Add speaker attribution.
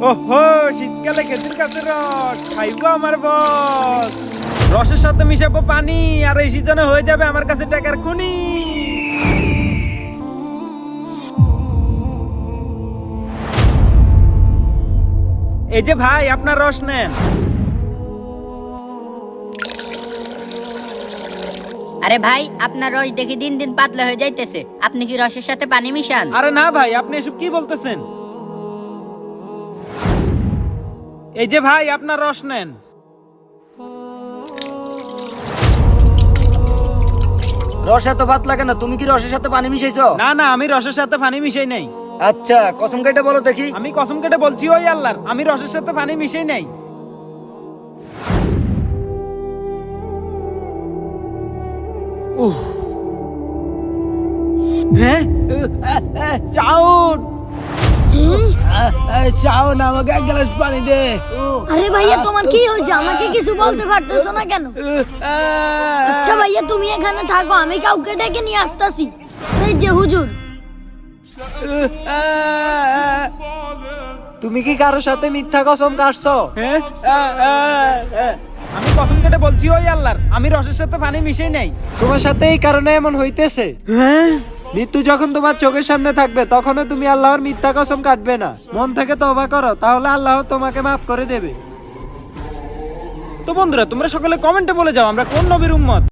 Speaker 1: ওহো, শীতকালে খেজুর গাছের রস খাইবো আমার বস। রসের সাথে মিশাবো পানি, আর এই সিজনে হয়ে যাবে আমার কাছে টাকার খুনি। এই যে ভাই, আপনার রস নেন।
Speaker 2: আরে ভাই, আপনার রস দেখি দিন দিন পাতলা হয়ে যাইতেছে, আপনি কি রসের সাথে পানি মিশান?
Speaker 1: আরে না ভাই, আপনি এসব কি বলতেছেন? এই যে ভাই, আপনার রস নেন।
Speaker 3: রস এত ভাত লাগে না, তুমি কি রসের সাথে পানি মিশাইছো?
Speaker 1: না না, আমি রসের সাথে পানি মিশাই নাই।
Speaker 3: আচ্ছা, কসম কেটে বলো দেখি।
Speaker 1: আমি কসম কেটে বলছি ওই আল্লাহর, আমি রসের সাথে পানি মিশাই নাই। হ্যাঁ, চাউন চাউন, আমাকে এক গ্লাস পানি দে।
Speaker 4: আরে ভাইয়া, তোমার কি হয়েছে? আমাকে কিছু বলতে পারতেছো না কেন? আচ্ছা ভাইয়া, তুমি এখানে থাকো, আমি কাউকে ডেকে নিয়ে আসতেছি। এই যে হুজুর।
Speaker 3: তুমি কি কারোর সাথে মিথ্যা কসম কাটছো?
Speaker 1: আমি কসম কেটে বলছি ওই আল্লাহর, আমি রসের সাথে পানি মিশাই নাই।
Speaker 3: তোমার সাথে এই কারণে এমন হইতেছে। মৃত্যু যখন তোমার চোখের সামনে থাকবে, তখনও তুমি আল্লাহর মিথ্যা কসম কাটবে না। মন থেকে তওবা করো, তাহলে আল্লাহ তোমাকে মাফ করে দেবে।
Speaker 1: তো বন্ধুরা, তোমরা সকলে কমেন্টে বলে যাও আমরা কোন নবীর উম্মত।